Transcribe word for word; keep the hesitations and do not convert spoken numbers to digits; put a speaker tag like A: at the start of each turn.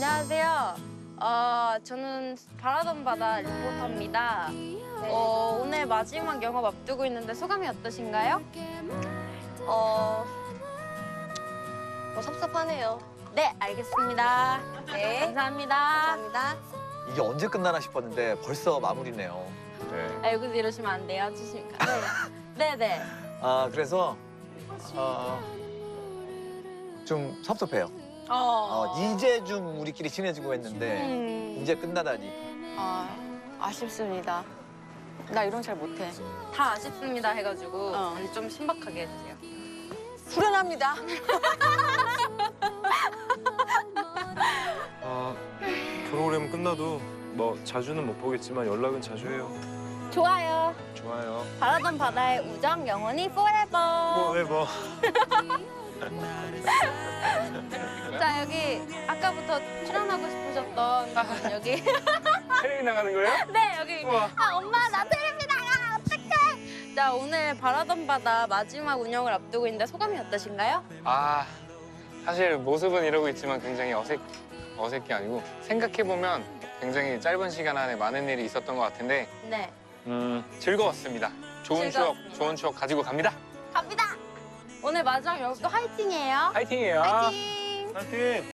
A: 안녕하세요. 어, 저는 바라던 바다 리포터입니다. 어, 오늘 마지막 영업 앞두고 있는데 소감이 어떠신가요?
B: 어, 뭐 섭섭하네요.
A: 네, 알겠습니다.
B: 네.
A: 감사합니다.
B: 감사합니다.
C: 이게 언제 끝나나 싶었는데 벌써 마무리네요. 네.
A: 알고 이러시면 안 돼요. 주시니까. 네, 네.
C: 아 그래서 어, 좀 섭섭해요.
A: 어,
C: 어, 이제 좀 우리끼리 친해지고 했는데
A: 음,
C: 이제 끝나다니.
B: 아, 아쉽습니다. 나 이런 잘 못해.
A: 다 아쉽습니다 해가지고
B: 어.
A: 좀 신박하게 해주세요.
B: 후련합니다.
D: 아, 프로그램 끝나도 뭐 자주는 못 보겠지만 연락은 자주 해요.
A: 좋아요.
D: 좋아요.
A: 바라던 바다의 우정 영원히 forever.
D: 뭐해봐.
A: 자, 여기 아까부터 출연하고 싶으셨던 분 여기.
D: 텔레비 나가는 거예요?
A: 네, 여기.
D: 우와.
A: 아, 엄마 나 텔레비 나가. 어떡해. 자, 오늘 바라던 바다 마지막 운영을 앞두고 있는데 소감이 어떠신가요?
E: 아, 사실 모습은 이러고 있지만 굉장히 어색, 어색이 아니고 생각해보면 굉장히 짧은 시간 안에 많은 일이 있었던 것 같은데
A: 네.
E: 음, 즐거웠습니다. 좋은
A: 즐거웠습니다.
E: 추억, 좋은 추억 가지고 갑니다.
A: 갑니다. 오늘 마지막 영업도 화이팅이에요.
E: 화이팅이에요.
A: 화이팅.
D: 파이팅!